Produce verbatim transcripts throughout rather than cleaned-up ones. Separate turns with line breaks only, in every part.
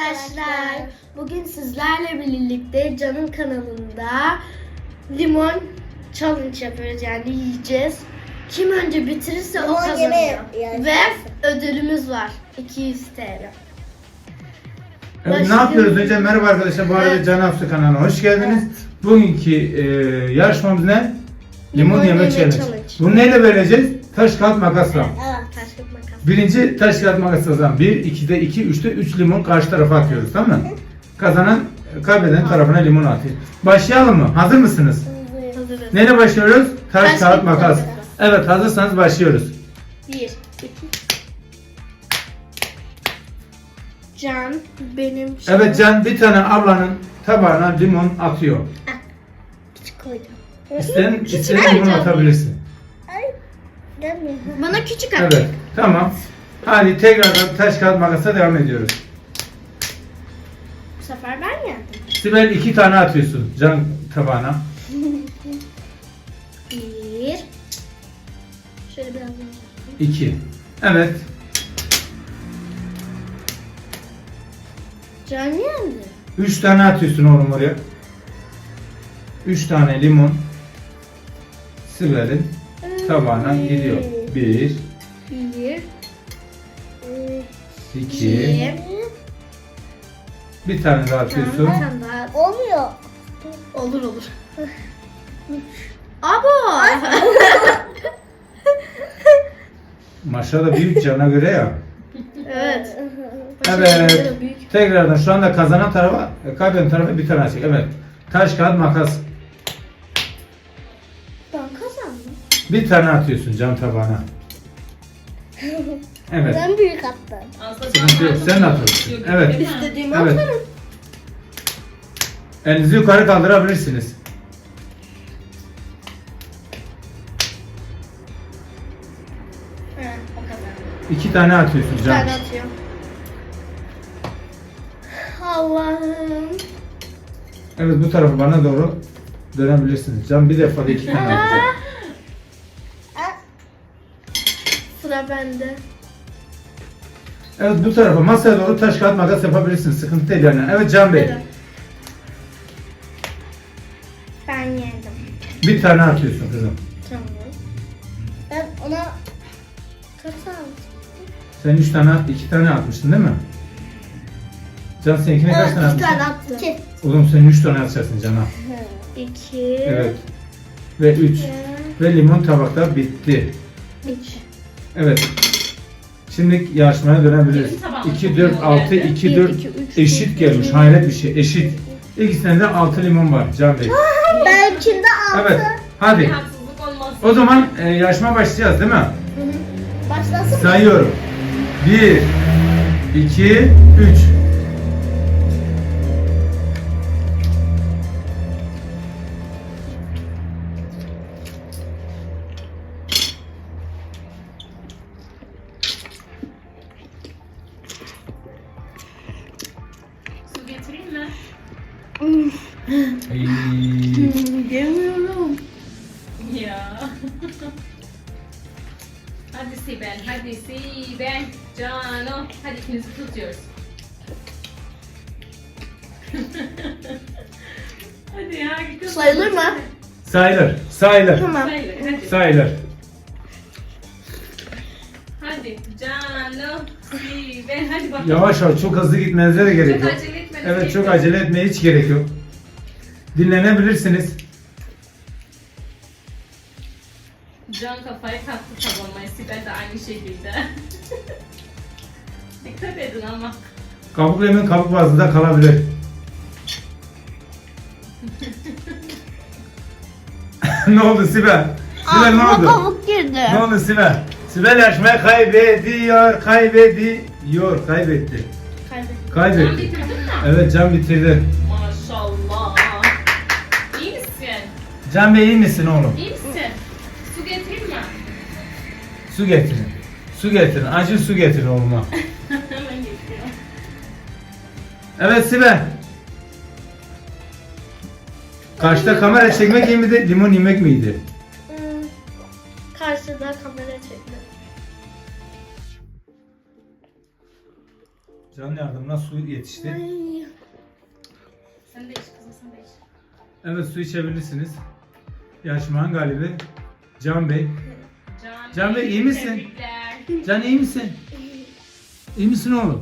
arkadaşlar. Bugün sizlerle birlikte Can'ın kanalında limon challenge yapıyoruz, yani yiyeceğiz. Kim önce bitirirse o
Limon
kazanıyor.
yemeği
Ve ödülümüz var. iki yüz T L.
Evet, ne yapıyoruz önce? Merhaba arkadaşlar. Bu arada
Evet.
Can Afsu kanalına hoş geldiniz.
Evet.
Bugünkü e, yarışmamız ne? Limon,
Limon
yeme
yeme
challenge.
challenge.
Bunu neyle vereceğiz? Taş kağıt makasla.
Evet.
Taş kağıt makas.
Birinci taş kağıt makasla bir, ikide iki, üçte üç limon karşı tarafa atıyoruz, tamam mı? Kazanan, kaybeden tarafına limon atıyor. Başlayalım mı? Hazır mısınız?
Hazırız.
Neyle başlıyoruz? Taş,
Taş,
kağıt
kağıt,
makas.
makas.
Evet, hazırsanız başlıyoruz.
Bir, iki. Can benim
Evet Can, bir tane ablanın tabağına limon atıyor.
Küçük koydum.
İsteyen, isteyen
ver
limon
Can.
atabilirsin.
Ay. Dönmüyor.
Bana küçük at.
Evet, tamam. Hadi tekrardan taş kağıt makasa devam ediyoruz.
Bu sefer ben yendim.
Sibel iki tane atıyorsun Can tabağına.
Bir. Şöyle biraz daha.
İki. Evet.
Can yendi.
Üç tane atıyorsun oğlum oraya. Üç tane limon Sibel'in tabağına gidiyor. Bir,
Bir.
iki,
İki.
bir tane daha
Bir
atıyorsun.
tane daha.
Olmuyor.
Olur olur. Abo.
Maşallah büyük Can'a göre ya.
Evet.
Evet.
Büyük.
Tekrardan şu anda kazanan tarafa, kaybeden tarafa bir tane atacak. Evet. Taş kağıt makas.
Ben kazandım.
Bir tane atıyorsun Can tabağına. Evet.
Ben büyük attım.
Sıkıntı yok. Sen de atıyorsun. Evet.
İstediğimi
Evet.
atarım.
Elinizi yukarı kaldırabilirsiniz.
Evet, o kadar.
İki tane atıyorsun
Bir
Can.
tane atıyorum. Allah'ım.
Evet, bu tarafa bana doğru dönebilirsiniz. Can bir defa da iki tane atacak.
Sıra bende.
Evet, bu tarafa masaya doğru taş kağıt makas yapabilirsiniz. Sıkıntı değil yani. Evet Can Bey.
Evet. Ben yendim.
Bir tane atıyorsun kızım.
Tamam.
Ben ona
Kaç aldım?
Sen üç tane at, iki tane atmıştın değil mi? Can seninkine kaç tane
İki
atmışsın?
tane attım.
iki.
Oğlum sen üç tane atacaksın Can'a.
İki.
Evet. Ve üç. Ve limon tabakta bitti.
Üç.
Evet. Şimdi yarışmaya dönebiliriz.
Benim tabağıma
iki,
çok
dört,
limon
altı,
geldi.
iki,
Bir,
dört
iki, üç,
eşit
dört,
gelmiş.
beş,
Hayret bir şey. Eşit. İkisinde de altı limon var Can Bey.
benimkinde altı.
Evet. Hadi.
Haksızlık olmasın.
O zaman e, yarışma başlayacağız değil mi?
Başlasın mı?
Sayıyorum. bir, iki, üç.
Su getireyim mi?
Yemiyorum.
Ya. Hadi Sibel, hadi Sibel. Cano. Hadi ikinizi tutuyoruz. Hadi ya. gidiyoruz.
Sayılır mı?
Sayılır. Sayılır.
Tamam.
Sayılır, hadi.
Sayılır.
Hadi Cano, Sibel. Hadi bakalım.
Yavaş yavaş, çok hızlı gitmenize de gerek
Çok
yok.
acele etmeniz
Evet,
gerekiyor.
çok acele etmeye hiç gerek yok. Dinlenebilirsiniz.
Can kafayı taktı kazanmaya. Sibel de aynı şekilde. Dikkat edin ama.
Kabuk lemon kabuk bazında kalabilir. Ne oldu Sibel? Sibel ne
Ağzıma
oldu?
kabuk girdi.
Ne oldu Sibel? Sibel yarışmayı kaybediyor, kaybediyor, kaybetti.
Kaybettim.
Can
Kaybetti.
bitirdin mi?
Evet, Can bitirdi.
Maşallah. İyi misin?
Can Bey iyi misin oğlum?
İyi misin? Su getireyim mi?
Su getirin. Su getirin. Acil su getirin oğluma.
Hemen getiriyorum.
Evet Sibel. Karşıda kamera çekmek iyi miydi, limon yemek miydi?
Hmm. Karşıda kamera çekti.
Can yardımına su yetişti.
Ay.
Sen de iç kızım, sen de iç.
Evet, su içebilirsiniz. Yarışmanın galibi Can Bey.
Can,
Can Bey, iyi misin?
Tebrikler.
Can iyi misin? İyi misin oğlum?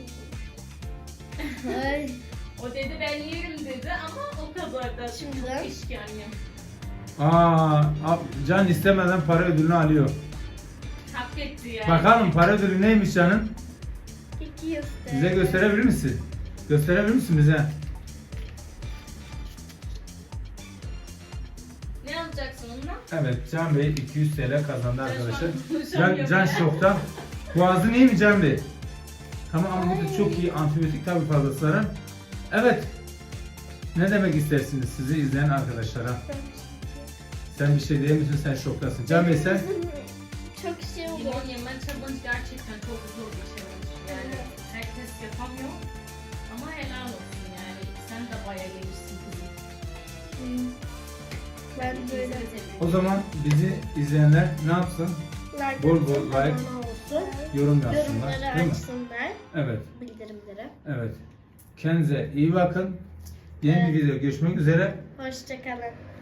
Ay.
O dedi ben yerim dedi ama o kadar da
Şimdiden.
çok işkence.
Aa, a- Can istemeden para ödülünü alıyor.
Hak etti yani.
Bakalım para ödülü neymiş Can'ın?
İki yüz T L.
Bize gösterebilir misin? Gösterebilir misin bize?
Ne alacaksın onunla?
Evet, Can Bey iki yüz T L kazandı
Can şu an
arkadaşlar. Can,
konuşamıyor
Can
bile.
şokta. Boğazın iyi mi Can Bey? Tamam ama bu da çok iyi antibiyotik tabii fazlasıyla. Evet. Ne demek istersiniz sizi izleyen arkadaşlara? Sen bir şey diyemiyorsun, sen şoktasın. Can Bey sen?
Çok şey oldu.
Limon yeme challenge gerçekten çok zor bir challenge. Yani herkes yapamıyor. Ama helal olsun yani. Sen de bayağı yemişsin kızım.
Ben
İkinizi
böyle
de tebrik
O
ederim.
zaman bizi izleyenler ne yapsın?
like
Bol bol
atıp
like,
abone olsun.
Yorum yapsınlar.
Yorumları
Değil mi?
açsınlar.
Evet.
Bildirimleri.
Evet. Kendinize iyi bakın. Yeni bir video görüşmek üzere.
Hoşçakalın.